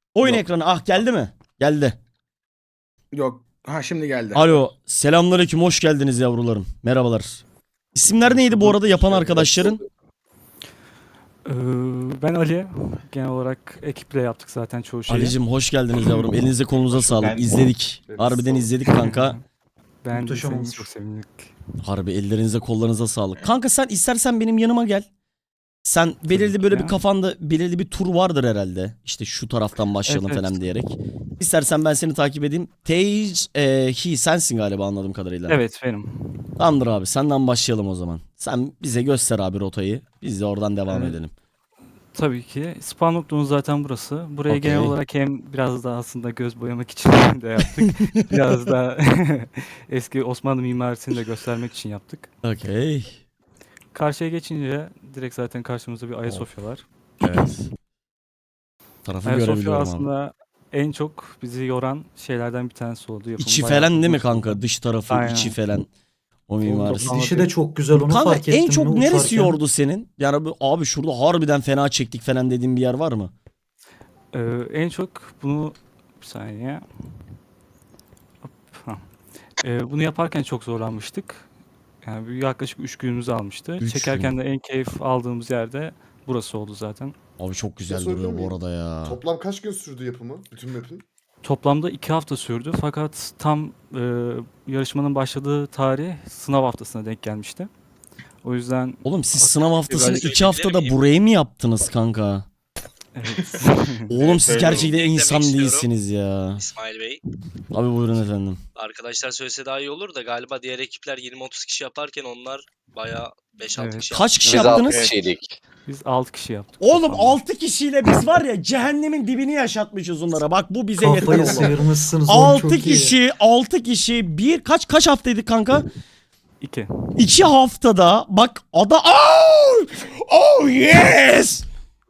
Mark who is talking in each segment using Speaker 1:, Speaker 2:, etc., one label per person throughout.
Speaker 1: Oyun
Speaker 2: Yok.
Speaker 1: ekranı geldi mi? Geldi.
Speaker 2: Yok. Ha şimdi geldi.
Speaker 1: Alo. Selamünaleyküm. Hoş geldiniz yavrularım. Merhabalar. İsimler
Speaker 2: Hoş
Speaker 1: neydi bu
Speaker 2: bulduk.
Speaker 1: arada yapan arkadaşların?
Speaker 3: Ee, Ben Ali. Genel olarak ekiple yaptık zaten çoğu şeyi.
Speaker 1: Ali'cim hoş geldiniz yavrum. Elinize kolunuza sağlık.
Speaker 4: Ben-
Speaker 1: İzledik. Harbiden izledik kanka.
Speaker 3: Ben
Speaker 2: Muhteşem olmuş.
Speaker 3: çok sevindik.
Speaker 1: Harbi ellerinize kollarınıza sağlık. Kanka sen istersen benim yanıma gel. Sen belirli böyle bir
Speaker 3: ya.
Speaker 1: kafanda belirli bir tur vardır herhalde. İşte şu taraftan başlayalım
Speaker 3: Evet,
Speaker 1: falan
Speaker 3: evet.
Speaker 1: diyerek. İstersen ben seni takip edeyim. He sensin galiba anladığım kadarıyla.
Speaker 3: Evet benim.
Speaker 1: Tamamdır abi senden başlayalım o zaman. Sen bize göster abi rotayı. Biz de oradan devam
Speaker 3: Evet.
Speaker 1: edelim.
Speaker 3: Tabii ki. Spawn noktamız zaten burası. Buraya
Speaker 1: Okey.
Speaker 3: genel olarak hem biraz da aslında göz boyamak için de yaptık. Biraz da eski Osmanlı mimarisini de göstermek için yaptık.
Speaker 1: Okey.
Speaker 3: Karşıya geçince direkt zaten karşımızda bir Ayasofya var.
Speaker 1: Evet. Tarafı
Speaker 3: Ayasofya
Speaker 1: görebiliyorum abi.
Speaker 3: aslında en çok bizi yoran şeylerden bir tanesi oldu. Yapımı
Speaker 1: İçi
Speaker 3: bayağı
Speaker 1: falan değil mi
Speaker 3: uzun sürdü.
Speaker 1: kanka? Dış tarafı,
Speaker 3: Aynen.
Speaker 1: içi falan. O mimarisi.
Speaker 3: Tamam.
Speaker 5: Dişi de çok güzel onu
Speaker 1: Kanka
Speaker 5: fark ettim.
Speaker 1: en çok
Speaker 5: mi
Speaker 1: neresi
Speaker 5: uçarken?
Speaker 1: yordu senin? Yani abi şurada harbiden fena çektik falan dediğin bir yer var mı?
Speaker 3: En çok bunu bir saniye. Hop, hah. Bunu yaparken çok zorlanmıştık. Yani yaklaşık 3 günümüzü almıştı.
Speaker 1: Üç
Speaker 3: Çekerken
Speaker 1: gün.
Speaker 3: de en keyif aldığımız yerde burası oldu zaten.
Speaker 1: Abi çok güzel
Speaker 4: sorabilir
Speaker 1: duruyor bu
Speaker 4: miyim?
Speaker 1: arada ya.
Speaker 4: Toplam kaç gün sürdü yapımı? Bütün map'in?
Speaker 3: Toplamda 2 hafta sürdü fakat tam yarışmanın başladığı tarih sınav haftasına denk gelmişti. O yüzden
Speaker 1: Oğlum siz sınav haftasını
Speaker 3: Biraz
Speaker 1: 2 haftada
Speaker 6: miyim?
Speaker 1: buraya mı yaptınız kanka?
Speaker 3: evet.
Speaker 1: Oğlum siz
Speaker 4: öyle
Speaker 1: gerçekten
Speaker 6: oldu.
Speaker 1: insan
Speaker 6: Eklemek
Speaker 1: değilsiniz ya.
Speaker 6: İsmail Bey.
Speaker 1: Abi buyurun efendim.
Speaker 6: Arkadaşlar söylese daha iyi olur da galiba diğer ekipler 20-30 kişi yaparken onlar bayağı 5-6
Speaker 3: Evet.
Speaker 6: kişi
Speaker 1: Kaç kişi
Speaker 7: Biz
Speaker 1: yaptınız?
Speaker 7: 6 kişiydik.
Speaker 3: Biz 6 kişi yaptık.
Speaker 1: Oğlum
Speaker 3: toplamda.
Speaker 1: 6 kişiyle biz var ya cehennemin dibini yaşatmışız onlara. Bak bu bize yeter
Speaker 5: Kafayı
Speaker 1: oğlum.
Speaker 5: sıyırmışsınız oğlum
Speaker 1: 6
Speaker 5: çok iyi.
Speaker 1: kişi, 6 kişi bir kaç haftaydı kanka?
Speaker 3: 2.
Speaker 1: 2 haftada bak oh yes.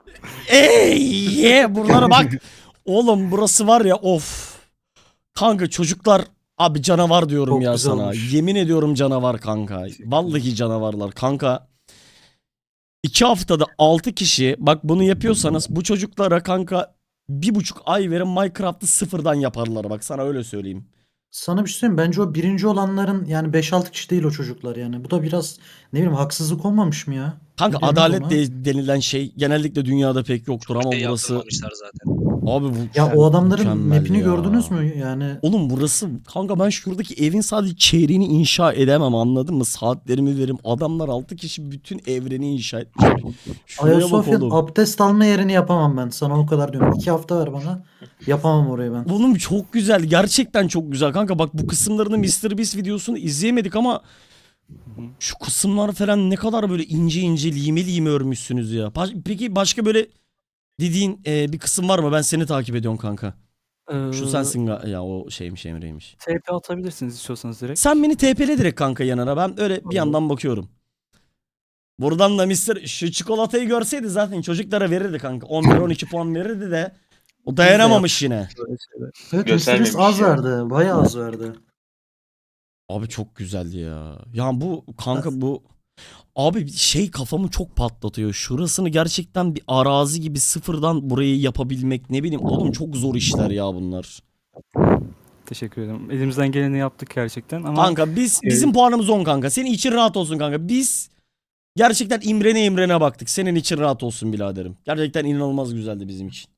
Speaker 1: Yeah buralara bak. Oğlum burası var ya of. Kanka çocuklar abi canavar diyorum
Speaker 5: Çok
Speaker 1: ya
Speaker 5: güzel
Speaker 1: sana.
Speaker 5: olmuş.
Speaker 1: Yemin ediyorum canavar kanka. Vallahi canavarlar kanka. 2 haftada 6 kişi bak bunu yapıyorsanız bu çocuklara kanka 1,5 ay verin Minecraft'ı sıfırdan yaparlar bak sana öyle söyleyeyim.
Speaker 5: Sana bir şey söyleyeyim mi? Bence o birinci olanların yani 5-6 kişi değil o çocuklar yani. Bu da biraz ne bileyim haksızlık olmamış mı ya?
Speaker 1: Kanka
Speaker 5: Ne denir
Speaker 1: adalet
Speaker 5: ona?
Speaker 1: denilen şey genellikle dünyada pek yoktur ama
Speaker 6: şey
Speaker 1: burası
Speaker 6: yaptırmamışlar zaten.
Speaker 1: abi bu
Speaker 5: Ya o adamların
Speaker 1: mükemmel
Speaker 5: map'ini
Speaker 1: ya.
Speaker 5: gördünüz mü? Yani
Speaker 1: Oğlum burası kanka ben şuradaki evin sadece çeyreğini inşa edemem anladın mı? Saatlerimi veririm. Adamlar 6 kişi bütün evreni inşa etmişler. Şuraya bak
Speaker 5: Ayasofya'nın
Speaker 1: oğlum.
Speaker 5: abdest alma yerini yapamam ben. Sana o kadar diyorum. 2 hafta ver bana. Yapamam orayı ben.
Speaker 1: Oğlum çok güzel. Gerçekten çok güzel kanka. Bak bu kısımlarını MrBeast videosunu izleyemedik ama şu kısımlar falan ne kadar böyle ince ince lime lime örmüşsünüz ya. Peki başka böyle dediğin bir kısım var mı? Ben seni takip ediyorum kanka. Şu sensin ya o şeymiş Emre'ymiş.
Speaker 3: TP atabilirsiniz istiyorsanız direkt.
Speaker 1: Sen beni TP'le direkt kanka yanına. Ben öyle bir yandan bakıyorum. Buradan da şu çikolatayı görseydi zaten çocuklara verirdi kanka. 11-12 puan verirdi de o dayanamamış yine.
Speaker 3: Böyle şeyler.
Speaker 5: Evet
Speaker 4: Göstermemiş
Speaker 5: Mr. az
Speaker 4: ya.
Speaker 5: verdi. Bayağı az verdi.
Speaker 1: Abi çok güzeldi ya. Ya bu kanka bu abi şey kafamı çok patlatıyor. Şurasını gerçekten bir arazi gibi sıfırdan burayı yapabilmek ne bileyim oğlum çok zor işler ya bunlar.
Speaker 3: Teşekkür ederim. Elimizden geleni yaptık gerçekten ama
Speaker 1: Kanka bizim puanımız 10 kanka. Senin için rahat olsun kanka. Biz gerçekten imrene baktık. Senin için rahat olsun biraderim. Gerçekten inanılmaz güzeldi bizim için.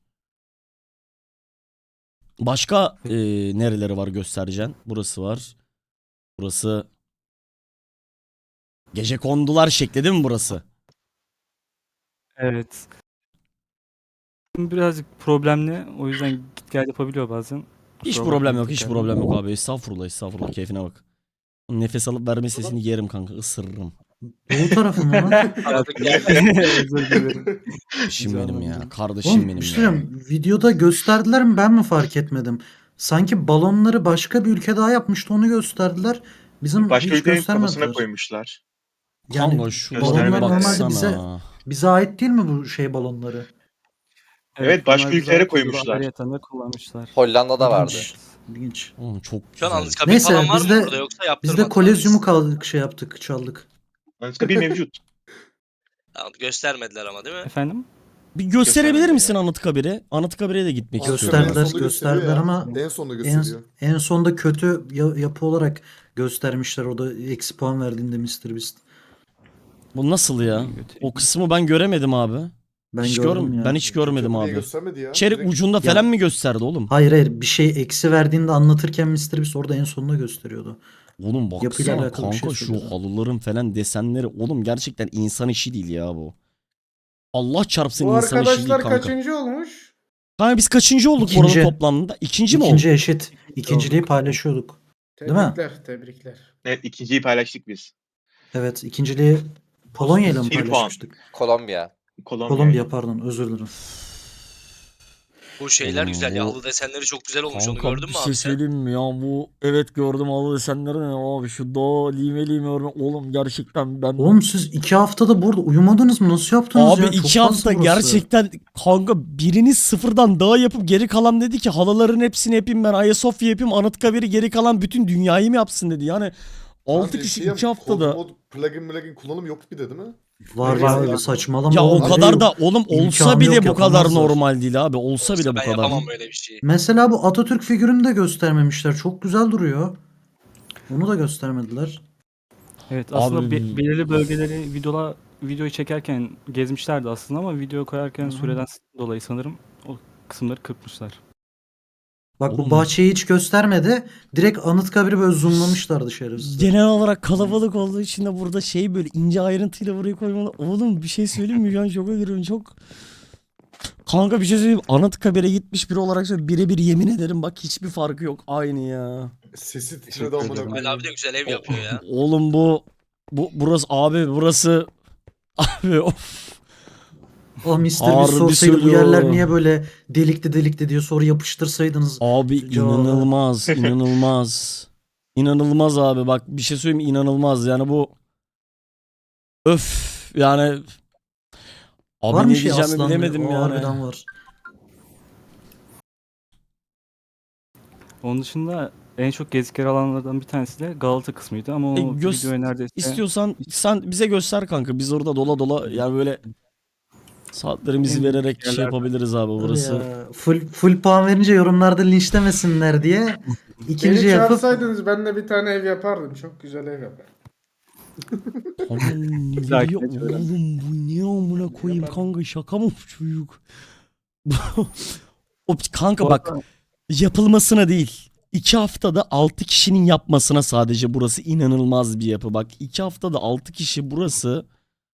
Speaker 1: Başka nereleri var göstereceksin? Burası var. Burası gecekondular şekli değil mi burası?
Speaker 3: evet. Birazcık problemli. O yüzden git gel yapabiliyor bazen.
Speaker 1: Hiç
Speaker 3: Kusura
Speaker 1: problem
Speaker 3: bakmayın
Speaker 1: yok, hiç
Speaker 3: tekrar.
Speaker 1: problem yok abi. Estağfurullah, keyfine bak. Nefes alıp verme sesini yerim kanka, ısırırım.
Speaker 5: Doğu tarafı mı lan?
Speaker 3: Özür dilerim.
Speaker 1: Kardeşim benim ya,
Speaker 3: Canım.
Speaker 1: kardeşim
Speaker 5: Oğlum
Speaker 1: benim
Speaker 5: bir şey
Speaker 1: ya.
Speaker 5: söyleyeyim. Videoda gösterdiler mi ben mi fark etmedim? Sanki balonları başka bir ülke daha yapmıştı onu gösterdiler. Bizim
Speaker 4: Başka
Speaker 5: hiç
Speaker 4: ülkenin kafasına
Speaker 5: göstermediler.
Speaker 4: koymuşlar.
Speaker 5: Yani
Speaker 1: Kanka şu
Speaker 5: balonlar
Speaker 1: balona
Speaker 5: normalde
Speaker 1: baksana.
Speaker 5: bize ait değil mi bu şey balonları?
Speaker 4: Evet, başka
Speaker 3: bunlar
Speaker 4: ülkelere
Speaker 3: güzel
Speaker 4: koymuşlar.
Speaker 3: ayrıyeten de kullanmışlar.
Speaker 7: Hollanda'da vardı.
Speaker 5: İlginç. İlginç.
Speaker 1: Oğlum çok
Speaker 6: Şu an
Speaker 1: güzel.
Speaker 6: anıtkabir
Speaker 5: Neyse,
Speaker 6: falan var
Speaker 5: biz
Speaker 6: mı
Speaker 5: de-
Speaker 6: burada yoksa
Speaker 5: Biz
Speaker 6: yaptırmadılar?
Speaker 5: de kolezyumu kaldık şey yaptık çaldık.
Speaker 4: Anıtkabir mevcut.
Speaker 6: Tamam, göstermediler ama değil mi?
Speaker 3: Efendim?
Speaker 1: Bir gösterebilir
Speaker 7: Göstermedi
Speaker 1: misin
Speaker 7: ya.
Speaker 1: Anıtkabir'e? Anıtkabir'e de gitmek
Speaker 4: Anıtkabir'i
Speaker 1: istiyorum.
Speaker 4: en
Speaker 5: Gösterdiler,
Speaker 4: sonda gösteriyor
Speaker 5: gösterdiler
Speaker 4: ya.
Speaker 5: ama
Speaker 4: En sonda
Speaker 5: en,
Speaker 4: gösteriyor.
Speaker 5: en sonda kötü yapı olarak göstermişler. O da eksi puan verdiğinde MrBeast.
Speaker 1: Bu nasıl ya?
Speaker 3: Götüreyim.
Speaker 1: O kısmı ben göremedim abi.
Speaker 5: Ben
Speaker 1: Hiç
Speaker 5: gördüm ya.
Speaker 1: Ben hiç görmedim
Speaker 4: Kötü yapı
Speaker 1: abi.
Speaker 4: niye göstermedi ya?
Speaker 1: İçeri
Speaker 4: Direkt
Speaker 1: ucunda
Speaker 5: Ya-
Speaker 1: falan mı gösterdi oğlum?
Speaker 5: Hayır, bir şey eksi verdiğinde anlatırken MrBeast orada en sonunda gösteriyordu.
Speaker 1: Oğlum
Speaker 5: Yapıyla
Speaker 1: baksana
Speaker 5: alakalı bir şey
Speaker 1: kanka şu
Speaker 5: söylüyordu.
Speaker 1: halıların falan desenleri. Oğlum gerçekten insan işi değil ya bu. Allah çarpsın
Speaker 2: Bu
Speaker 1: insan işi değil
Speaker 2: arkadaşlar
Speaker 1: kanka.
Speaker 2: kaçıncı olmuş?
Speaker 1: Kanka biz kaçıncı olduk
Speaker 5: İkinci.
Speaker 1: buranın toplamında? İkinci mi
Speaker 5: İkinci
Speaker 1: olduk?
Speaker 5: eşit. İkinciliği paylaşıyorduk. Değil mi?
Speaker 2: Tebrikler.
Speaker 7: Evet, ikinciyi paylaştık biz.
Speaker 5: Evet, ikinciliği Polonya ile mi
Speaker 7: Bir puan.
Speaker 5: paylaşmıştık?
Speaker 8: Kolombiya.
Speaker 7: Kolombiya.
Speaker 5: Pardon, özür dilerim.
Speaker 6: Bu şeyler
Speaker 1: Oğlum
Speaker 6: güzel ya.
Speaker 1: bu-
Speaker 6: Halı desenleri çok güzel olmuş. Onu
Speaker 1: Kanka
Speaker 6: gördün
Speaker 1: bir
Speaker 6: mü
Speaker 1: şey
Speaker 6: abi sen?
Speaker 1: söyleyeyim mi ya bu evet gördüm halı desenleri ne abi şu da lime lime oğlum gerçekten ben
Speaker 5: Oğlum siz 2 haftada burada uyumadınız mı? Nasıl yaptınız
Speaker 1: abi
Speaker 5: ya? Çok
Speaker 1: 2
Speaker 5: fazla
Speaker 1: hafta
Speaker 5: burası.
Speaker 1: gerçekten kanka biriniz sıfırdan daha yapıp geri kalan dedi ki halıların hepsini yapayım ben Ayasofya yapayım Anıtkabir'i geri kalan bütün dünyayı mı yapsın dedi yani 6
Speaker 4: Abi
Speaker 1: kişi
Speaker 4: şey
Speaker 1: 2 haftada
Speaker 4: mod, plugin kullanım yok bir de değil mi?
Speaker 5: Var
Speaker 4: Ya,
Speaker 5: ya,
Speaker 4: ya.
Speaker 5: saçmalama
Speaker 1: ya o
Speaker 5: oğlum, öyle
Speaker 1: kadar
Speaker 5: yok.
Speaker 1: da oğlum olsa
Speaker 5: İmkanı
Speaker 1: bile
Speaker 5: yok,
Speaker 1: bu kadar
Speaker 5: yapamazlar.
Speaker 1: normal değil abi olsa bile bu
Speaker 6: Ben
Speaker 1: kadar.
Speaker 6: yapamam böyle bir şey.
Speaker 5: Mesela bu Atatürk figürünü de göstermemişler. Çok güzel duruyor. Onu da göstermediler.
Speaker 3: Evet aslında
Speaker 1: Abi-
Speaker 3: belirli bölgeleri videoyu çekerken gezmişlerdi aslında ama video koyarken
Speaker 5: Hı.
Speaker 3: süreden dolayı sanırım o kısımları kırpmışlar.
Speaker 5: Bak
Speaker 1: Oğlum.
Speaker 5: bu bahçeyi hiç göstermedi. Direkt Anıtkabir'i böyle zoomlamışlardı şerefsizler.
Speaker 1: Genel olarak kalabalık olduğu için de burada şey böyle ince ayrıntıyla buraya koymalı. Oğlum bir şey söyleyeyim mi? Şu an şoka giriyorum çok. Kanka bir şey söyleyeyim. Anıtkabir'e gitmiş biri olarak söylüyorum. Birebir yemin ederim bak hiçbir farkı yok. Aynı ya.
Speaker 4: Sesi titredi
Speaker 3: Teşekkür
Speaker 4: amına
Speaker 3: ederim.
Speaker 6: Ali
Speaker 4: koyayım.
Speaker 6: abi de güzel ev yapıyor ya.
Speaker 1: Oğlum burası abi burası abi of.
Speaker 5: O Mr. Beast
Speaker 1: Harbi
Speaker 5: sorsaydı bu
Speaker 1: söylüyorum.
Speaker 5: yerler niye böyle delikli diye soru yapıştırsaydınız.
Speaker 1: Abi
Speaker 5: Cevabı.
Speaker 1: inanılmaz inanılmaz. İnanılmaz abi bak bir şey söyleyeyim mi? İnanılmaz yani bu öf yani abi
Speaker 5: Var
Speaker 1: ne
Speaker 5: mı şey
Speaker 1: diyeceğimi
Speaker 5: aslan?
Speaker 1: bilemedim
Speaker 5: O
Speaker 1: yani.
Speaker 5: harbiden var.
Speaker 3: Onun dışında en çok gezdikleri alanlardan bir tanesi de Galata kısmıydı ama o videoya neredeyse
Speaker 1: İstiyorsan sen bize göster kanka. Biz orada dola dola yani böyle saatlerimizi
Speaker 3: En
Speaker 1: vererek
Speaker 3: yerlerden.
Speaker 1: şey yapabiliriz abi
Speaker 5: Tabii
Speaker 1: burası.
Speaker 5: ya. Full puan verince yorumlarda linçlemesinler diye ikinci
Speaker 2: Beni
Speaker 5: yapıp
Speaker 2: çağırsaydınız ben de bir tane ev yapardım. Çok güzel ev yapardım.
Speaker 1: Tamam ne
Speaker 3: Dahaki
Speaker 1: diyor
Speaker 3: de şöyle.
Speaker 1: oğlum bu ne amına koyayım kanka şaka mı bu çocuk? O kanka
Speaker 3: Bu
Speaker 1: bak
Speaker 3: arada-
Speaker 1: yapılmasına değil. 2 haftada 6 kişinin yapmasına sadece burası inanılmaz bir yapı. Bak 2 haftada 6 kişi burası.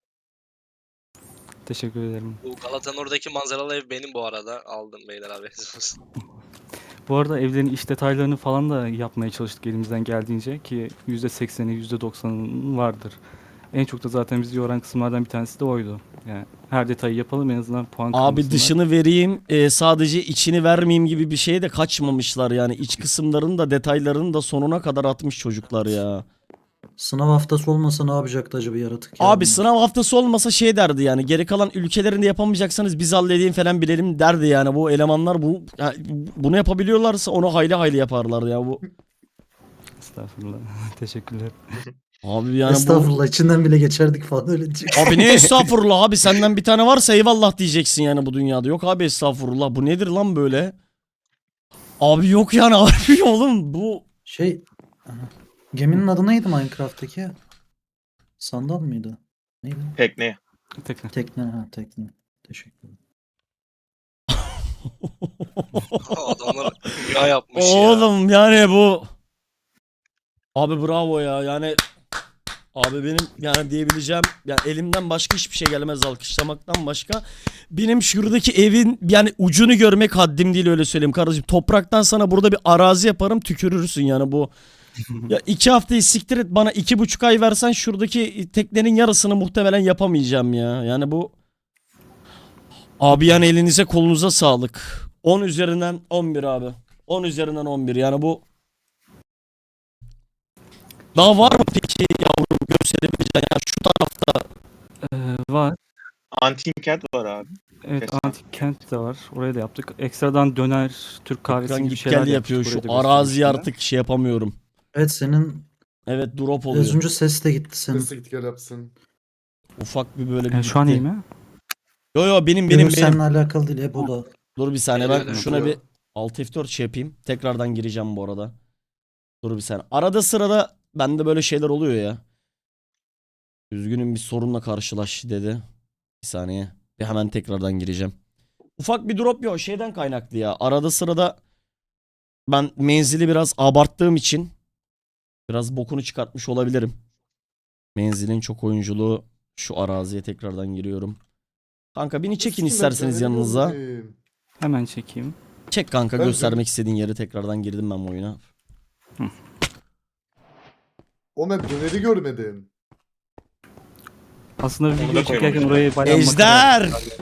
Speaker 3: Teşekkür ederim.
Speaker 6: Bu Galata'nın oradaki manzaralı ev benim bu arada. Aldım beyler haberiniz olsun.
Speaker 3: Bu arada evlerin iç detaylarını falan da yapmaya çalıştık elimizden geldiğince ki %80'i %90'ı vardır. En çok da zaten bizi yoran kısımlardan bir tanesi de oydu. Yani her detayı yapalım en azından puan
Speaker 1: Abi
Speaker 3: kırmasınlar.
Speaker 1: dışını vereyim sadece içini vermeyeyim gibi bir şeye de kaçmamışlar yani. İç kısımlarını da detaylarını da sonuna kadar atmış çocuklar ya.
Speaker 5: sınav haftası olmasa ne yapacaktı acaba yaratık ya
Speaker 1: Abi
Speaker 5: bunlar?
Speaker 1: sınav haftası olmasa şey derdi yani geri kalan ülkelerinde yapamayacaksanız biz halledeyim falan bilelim derdi yani bu elemanlar bunu yapabiliyorlarsa onu hayli hayli yaparlar ya bu.
Speaker 3: Estağfurullah. Teşekkürler.
Speaker 1: Abi yani
Speaker 5: Estağfurullah, içinden bile geçerdik falan öyle diyecek.
Speaker 1: bu abi ne estağfurullah abi senden bir tane varsa eyvallah diyeceksin yani bu dünyada. Yok abi estağfurullah bu nedir lan böyle? Abi yok yani abi oğlum bu
Speaker 5: Geminin adı neydi Minecraft'taki? Sandal mıydı? Neydi?
Speaker 7: Tekne.
Speaker 3: Tekrar.
Speaker 5: Tekne. Teşekkür ederim.
Speaker 6: Adamlar rüya yapmış ya.
Speaker 1: oğlum yani bu abi bravo ya yani abi benim yani diyebileceğim yani elimden başka hiçbir şey gelmez alkışlamaktan başka. Benim şuradaki evin yani ucunu görmek haddim değil öyle söyleyeyim kardeşim. Topraktan sana burada bir arazi yaparım tükürürsün yani bu. Ya 2 haftayı siktir et bana 2,5 ay versen şuradaki teknenin yarısını muhtemelen yapamayacağım ya. Yani bu abi yani elinize kolunuza sağlık. 10 üzerinden 11 abi. 10 üzerinden 11 yani bu. Daha var mı peki yavrum gösterebileceğin yani şu tarafta
Speaker 3: Var.
Speaker 7: Antik kent var abi.
Speaker 3: Evet
Speaker 7: Kesin.
Speaker 3: antik kent de var. Oraya da yaptık. Ekstradan döner, Türk kahvesi
Speaker 1: ekran
Speaker 3: gibi
Speaker 1: git
Speaker 3: şeyler
Speaker 1: gel
Speaker 3: yaptık.
Speaker 1: yapıyor şu
Speaker 3: Buraya da
Speaker 1: araziyi
Speaker 3: göstermiştim
Speaker 1: artık şey yapamıyorum.
Speaker 5: Evet, senin
Speaker 1: Evet drop oluyor.
Speaker 5: az önce ses de gitti senin.
Speaker 4: Sesi git gel yapsın.
Speaker 1: Ufak bir böyle
Speaker 3: ben.
Speaker 1: bir
Speaker 3: Şu an
Speaker 1: gitti.
Speaker 3: iyi mi?
Speaker 1: Yo benim
Speaker 5: Benim
Speaker 1: benim.
Speaker 5: seninle alakalı değil Ebola.
Speaker 1: Dur bir saniye ben
Speaker 6: Öyle.
Speaker 1: şuna bir Alt F4 şey yapayım. Tekrardan gireceğim bu arada. Dur bir saniye. Arada sırada bende böyle şeyler oluyor ya. Üzgünüm bir sorunla karşılaş dedi. Bir saniye. Bir hemen tekrardan gireceğim. Ufak bir drop yok. Şeyden kaynaklı ya. Arada sırada ben menzili biraz abarttığım için biraz bokunu çıkartmış olabilirim. Menzilin çok oyunculuğu. Şu araziye tekrardan giriyorum. Kanka beni çekin
Speaker 4: Nasıl
Speaker 1: isterseniz
Speaker 4: ben
Speaker 1: yanınıza.
Speaker 4: görmedim.
Speaker 3: Hemen çekeyim.
Speaker 1: Çek kanka
Speaker 4: Ben-
Speaker 1: göstermek istediğin yere tekrardan girdim ben bu oyuna.
Speaker 4: O ben döneri görmedim.
Speaker 3: Aslında
Speaker 6: Onu da
Speaker 3: video çekerken
Speaker 6: koymamışlar.
Speaker 3: orayı bayağı makara
Speaker 1: Ejder!
Speaker 3: yapmışlar.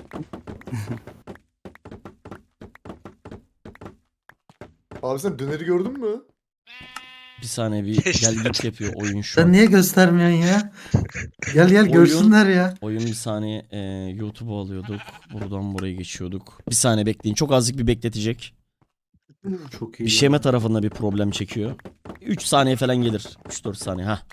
Speaker 4: Abi sen döneri gördün mü?
Speaker 1: Bir saniye bir gel git yapıyor oyun şu
Speaker 5: Sen
Speaker 1: an.
Speaker 5: niye göstermiyorsun ya? Gel
Speaker 1: Oyun-
Speaker 5: görsünler ya.
Speaker 1: Oyun bir saniye YouTube'u alıyorduk. Buradan buraya geçiyorduk. Bir saniye bekleyin. Çok azıcık bir bekletecek.
Speaker 5: Çok iyi.
Speaker 1: Bir şeme tarafında bir problem çekiyor. 3 saniye falan gelir. 3-4 saniye. Ha.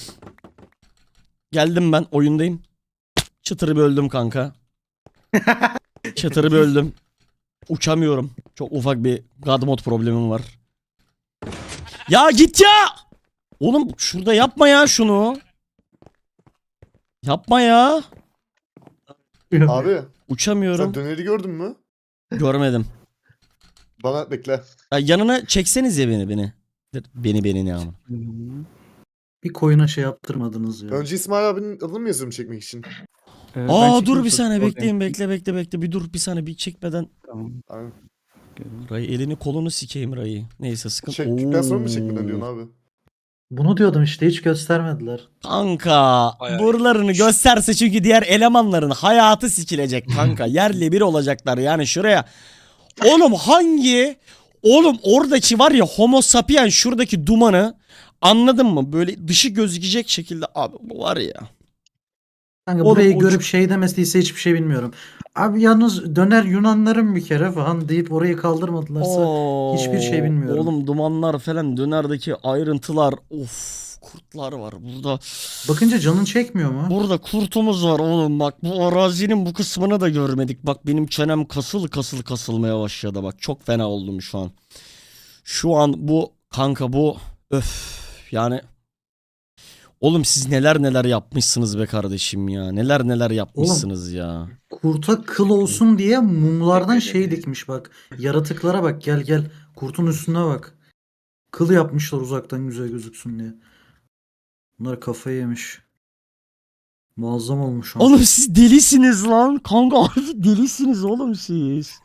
Speaker 1: Geldim ben oyundayım. Çıtırı böldüm kanka. Çıtırı böldüm. Uçamıyorum. Çok ufak bir God mod problemim var. Ya git ya! Oğlum şurada yapma ya şunu. Yapma ya.
Speaker 4: Abi
Speaker 1: Uçamıyorum.
Speaker 4: sen döneri gördün mü?
Speaker 1: Görmedim.
Speaker 4: Bana bekle.
Speaker 1: Ya yanına çekseniz ya beni. Beni ne ama.
Speaker 5: Bir koyuna şey yaptırmadınız ya.
Speaker 4: Önce İsmail abinin adını mı yazıyorum çekmek için?
Speaker 3: Ben
Speaker 1: Aa
Speaker 3: çekeyim,
Speaker 1: dur bir
Speaker 3: sonra
Speaker 1: saniye
Speaker 3: oradayım.
Speaker 1: bekleyin bekle bir dur bir saniye bir çekmeden.
Speaker 3: Tamam.
Speaker 4: Abi,
Speaker 1: Ray elini kolunu sikeyim Ray'ı. Neyse sıkıntı.
Speaker 4: çektikten sonra mı
Speaker 1: Oo.
Speaker 4: çekmeden diyorsun abi?
Speaker 5: Bunu diyordum işte hiç göstermediler.
Speaker 1: Kanka
Speaker 6: Bayağı
Speaker 1: buralarını gösterse çünkü diğer elemanların hayatı sikilecek kanka. Yerle bir olacaklar yani şuraya. Oğlum Oğlum oradaki var ya Homo sapien şuradaki dumanı anladın mı? Böyle dışı gözükecek şekilde abi bu var ya.
Speaker 5: Kanka
Speaker 1: Oğlum,
Speaker 5: burayı
Speaker 1: o
Speaker 5: görüp şey demesiyse hiçbir şey bilmiyorum. Abi yalnız döner Yunanların bir kere falan deyip orayı kaldırmadılarsa hiçbir şey bilmiyorum.
Speaker 1: Oğlum dumanlar falan dönerdeki ayrıntılar of kurtlar var burada.
Speaker 5: Bakınca canın çekmiyor mu?
Speaker 1: Burada kurtumuz var oğlum bak bu arazinin bu kısmını da görmedik. Bak benim çenem kasılmaya başladı bak çok fena oldum şu an. Şu an bu kanka bu öf yani. Oğlum siz neler yapmışsınız be kardeşim ya. Neler yapmışsınız ya.
Speaker 5: Kurta kıl olsun diye mumlardan şey dikmiş bak. Yaratıklara bak gel. Kurtun üstüne bak. Kıl yapmışlar uzaktan güzel gözüksün diye. Bunlar kafayı yemiş. Muazzam olmuş.
Speaker 1: Oğlum siz delisiniz lan. Kanka harbi delisiniz oğlum siz.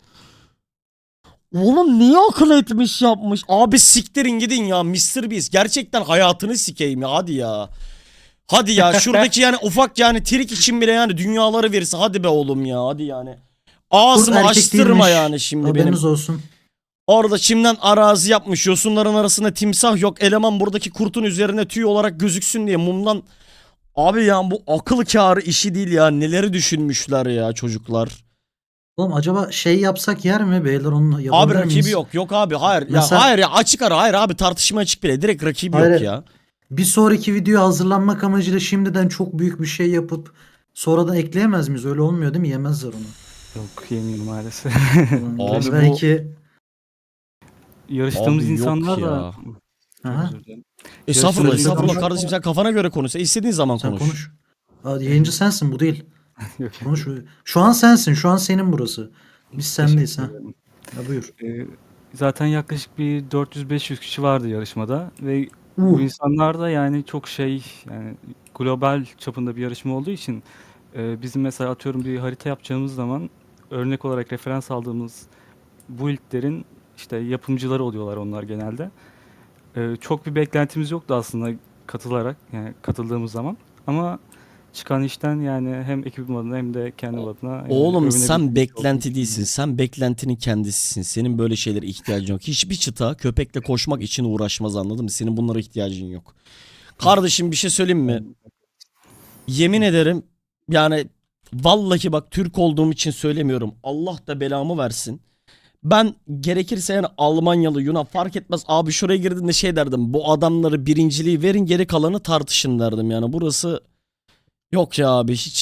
Speaker 1: Oğlum niye akıl etmiş yapmış? Abi siktirin gidin ya Mr. Beast. Gerçekten hayatını sikeyim ya hadi ya. Hadi ya şuradaki yani ufak yani trik için bile yani dünyaları verirse hadi be oğlum ya hadi yani. Ağzımı
Speaker 5: erkek
Speaker 1: açtırma
Speaker 5: değilmiş.
Speaker 1: yani şimdi
Speaker 5: Haberiniz
Speaker 1: benim.
Speaker 5: olsun.
Speaker 1: Orada çimden arazi yapmış yosunların arasında timsah yok. Eleman buradaki kurtun üzerine tüy olarak gözüksün diye mumdan. Abi ya bu akıl kârı işi değil ya. Neleri düşünmüşler ya çocuklar.
Speaker 5: Oğlum acaba şey yapsak yer mi beyler onu
Speaker 1: Abi
Speaker 5: yapabilir
Speaker 1: rakibi
Speaker 5: miyiz?
Speaker 1: yok. Yok abi hayır.
Speaker 5: Mesela-
Speaker 1: Ya hayır ya açık ara hayır abi tartışma açık bile. Direkt rakibi
Speaker 5: Hayır.
Speaker 1: yok ya.
Speaker 5: Bir sonraki videoya hazırlanmak amacıyla şimdiden çok büyük bir şey yapıp sonradan ekleyemez miyiz? Öyle olmuyor değil mi? Yemezler onu.
Speaker 3: Yok yemiyorum maalesef.
Speaker 1: Abi bu-
Speaker 5: belki
Speaker 3: Yarıştığımız
Speaker 1: Abi yok
Speaker 3: insanlar
Speaker 1: ya.
Speaker 3: da...
Speaker 5: Aha,
Speaker 3: Özür dilerim.
Speaker 1: Estağfurullah
Speaker 3: Yarışmacı-
Speaker 1: estağfurullah kardeşim sen kafana göre konuş. Sen istediğin zaman
Speaker 5: sen
Speaker 1: konuş.
Speaker 5: konuş. Aa, yayıncı sensin bu değil.
Speaker 3: Yok.
Speaker 5: Konuş. Şu an sensin. Şu an senin burası. Biz sendeyiz ha.
Speaker 3: Teşekkür ederim.
Speaker 5: Ya buyur.
Speaker 3: Zaten yaklaşık bir 400-500 kişi vardı yarışmada ve bu insanlar da yani çok şey yani global çapında bir yarışma olduğu için bizim mesela atıyorum bir harita yapacağımız zaman örnek olarak referans aldığımız build'lerin işte yapımcıları oluyorlar onlar genelde. Çok bir beklentimiz yoktu aslında katıldığımız zaman ama çıkan işten yani hem ekibim adına hem de kendim adına yani
Speaker 1: Oğlum
Speaker 3: övünebildiğim
Speaker 1: sen
Speaker 3: bir şey
Speaker 1: beklenti
Speaker 3: olduğunu
Speaker 1: değilsin. Sen beklentinin kendisisin. Senin böyle şeylere ihtiyacın yok. Hiçbir çıta köpekle koşmak için uğraşmaz anladın mı? Senin bunlara ihtiyacın yok. Kardeşim bir şey söyleyeyim mi? Yemin ederim yani vallahi bak Türk olduğum için söylemiyorum. Allah da belamı versin. Ben gerekirse yani Almanyalı, Yunan fark etmez. Abi şuraya girdiğinde şey derdim. Bu adamları birinciliği verin geri kalanı tartışın derdim. Yani burası yok ya abi hiç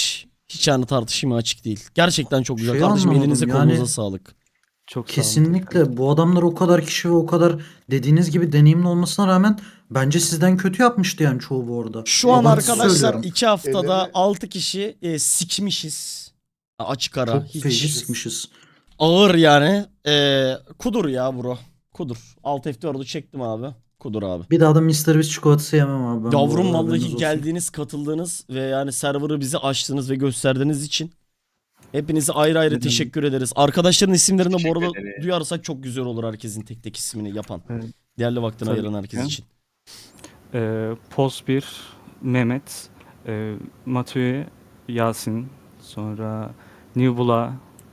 Speaker 1: Hiç yani tartışmaya açık değil. Gerçekten çok güzel.
Speaker 5: Şey
Speaker 1: Kardeşim
Speaker 5: anlamadım,
Speaker 1: elinize
Speaker 5: yani-
Speaker 1: kolunuza sağlık.
Speaker 3: Çok sağ olun.
Speaker 5: Kesinlikle bu adamlar o kadar kişi ve o kadar dediğiniz gibi deneyimli olmasına rağmen bence sizden kötü yapmıştı yani çoğu bu arada.
Speaker 1: Şu an
Speaker 5: Abartı
Speaker 1: arkadaşlar
Speaker 5: söylüyorum.
Speaker 1: 2 haftada
Speaker 4: Ellerine-
Speaker 1: 6 kişi sikmişiz. Açık ara.
Speaker 5: Çok
Speaker 1: Hiç
Speaker 5: feci sıkmışız.
Speaker 1: ağır yani. Kudur ya bro. Kudur. Alt F4'ü çektim abi. Kudur abi.
Speaker 5: Bir daha da Mr. Beast çikolatası yemem abi. Ben bu
Speaker 1: Yavrum
Speaker 5: arada, haberiniz
Speaker 1: vallahi
Speaker 5: olsun.
Speaker 1: geldiğiniz, katıldığınız ve yani server'ı bize açtığınız ve gösterdiğiniz için hepinize ayrı ayrı
Speaker 3: Ne demek.
Speaker 1: teşekkür ederiz. Arkadaşların isimlerini bu
Speaker 7: Teşekkür
Speaker 1: arada
Speaker 7: ederiz.
Speaker 1: duyarsak çok güzel olur, herkesin tek tek ismini yapan.
Speaker 3: Evet.
Speaker 1: Değerli vaktini
Speaker 3: Tabii
Speaker 1: ayıran herkes
Speaker 3: ki.
Speaker 1: için.
Speaker 3: Post 1, Mehmet, Matue, Yasin, sonra Nibula.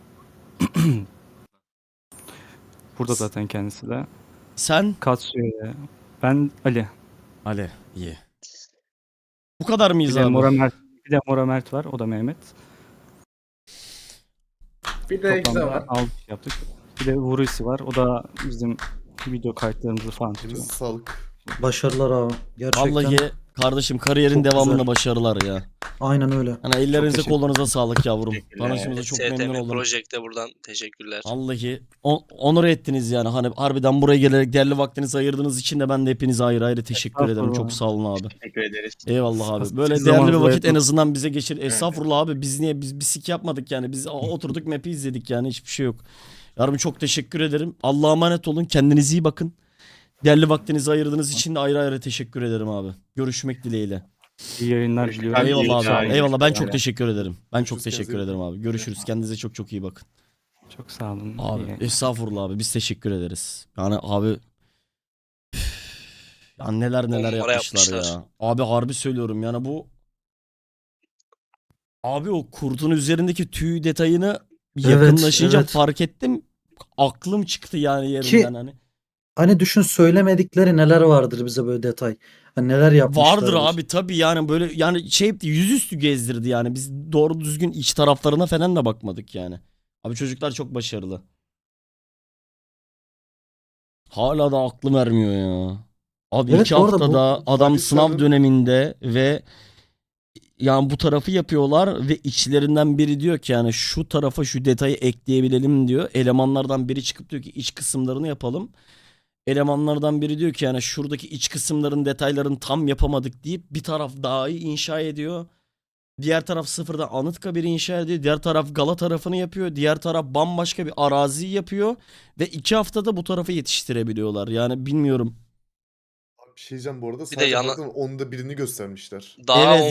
Speaker 3: Burada zaten kendisi de.
Speaker 1: Sen?
Speaker 3: Katsuya, ben Ali.
Speaker 1: Ali. İyi. Bu kadar
Speaker 3: Bir
Speaker 1: mıyız
Speaker 3: de
Speaker 1: abi?
Speaker 3: Mora Mert var. O da Mehmet.
Speaker 2: Bir de Ekse
Speaker 3: Toplamda
Speaker 2: var.
Speaker 3: 6 yaptık. Bir de Vurusi var. O da bizim video kayıtlarımızı falan tutuyor.
Speaker 4: Elinize sağlık.
Speaker 5: Başarılar abi. Gerçekten.
Speaker 1: Vallahi kardeşim kariyerin
Speaker 5: Çok
Speaker 1: devamında
Speaker 5: güzel.
Speaker 1: başarılar ya.
Speaker 5: Aynen öyle.
Speaker 1: Hani ellerinize
Speaker 3: teşekkür
Speaker 1: kolunuza sağlık yavrum.
Speaker 7: Teşekkürler.
Speaker 1: Tanıştığımıza çok memnun
Speaker 6: STM
Speaker 1: oldum.
Speaker 6: Project'e buradan teşekkürler.
Speaker 1: Vallahi onur ettiniz yani. Hani harbiden buraya gelerek değerli vaktinizi ayırdığınız için de ben de hepinize ayrı ayrı teşekkür ederim.
Speaker 3: Estağfurullah.
Speaker 1: Çok sağ olun abi.
Speaker 7: Teşekkür ederiz.
Speaker 1: Eyvallah abi.
Speaker 3: Siz
Speaker 1: Böyle değerli bir
Speaker 3: zamanınızı
Speaker 1: vakit en
Speaker 3: ayırdınız.
Speaker 1: azından bize geçir. Estağfurullah abi, biz niye biz bir sik yapmadık yani. Biz oturduk map'i izledik yani, hiçbir şey yok. Yavrum çok teşekkür ederim. Allah'a emanet olun. Kendinize iyi bakın. Değerli vaktinizi ayırdığınız için de ayrı ayrı teşekkür ederim abi. Görüşmek dileğiyle.
Speaker 3: İyi yayınlar
Speaker 7: Hoş
Speaker 3: diliyorum.
Speaker 7: geldin.
Speaker 1: Eyvallah
Speaker 7: yayınlar.
Speaker 1: abi. Eyvallah, ben çok
Speaker 7: Eyvallah.
Speaker 1: teşekkür ederim. Ben çok
Speaker 4: Görüşürüz,
Speaker 1: teşekkür
Speaker 4: kendinize iyi
Speaker 1: ederim abi. Görüşürüz. Kendinize çok çok iyi bakın.
Speaker 3: Çok sağ olun.
Speaker 1: Abi
Speaker 3: İyi.
Speaker 1: estağfurullah abi, biz teşekkür ederiz. Yani abi ya neler neler
Speaker 6: Onlara
Speaker 1: yapmışlar,
Speaker 6: yapmışlar.
Speaker 1: ya. Abi harbi söylüyorum yani bu abi o kurtun üzerindeki tüy detayını yakınlaşınca
Speaker 5: evet.
Speaker 1: fark ettim. Aklım çıktı yani yerinden hani.
Speaker 5: Hani düşün, söylemedikleri neler vardır bize böyle detay. Hani neler yapmışlardır.
Speaker 1: Vardır abi tabii yani, böyle yani şey yaptı, yüzüstü gezdirdi yani. Biz doğru düzgün iç taraflarına falan da bakmadık yani. Abi çocuklar çok başarılı. Hala da aklım ermiyor ya. Abi
Speaker 5: Evet,
Speaker 1: 2
Speaker 5: bu arada bu-
Speaker 1: haftada adam
Speaker 4: Ali
Speaker 1: sınav
Speaker 4: Sarı'nın-
Speaker 1: döneminde ve yani bu tarafı yapıyorlar ve içlerinden biri diyor ki yani şu tarafa şu detayı ekleyebilelim diyor. Elemanlardan biri çıkıp diyor ki iç kısımlarını yapalım. Elemanlardan biri diyor ki yani şuradaki iç kısımların detaylarını tam yapamadık deyip bir taraf daha iyi inşa ediyor. Diğer taraf sıfırdan Anıtkabir'i inşa ediyor. Diğer taraf Gala tarafını yapıyor. Diğer taraf bambaşka bir arazi yapıyor. Ve 2 haftada bu tarafı yetiştirebiliyorlar. Yani bilmiyorum.
Speaker 4: Abi bir şey diyeceğim bu arada.
Speaker 6: de
Speaker 4: Sadece
Speaker 6: yana-
Speaker 4: baktım onda birini göstermişler.
Speaker 6: Daha
Speaker 1: Evet.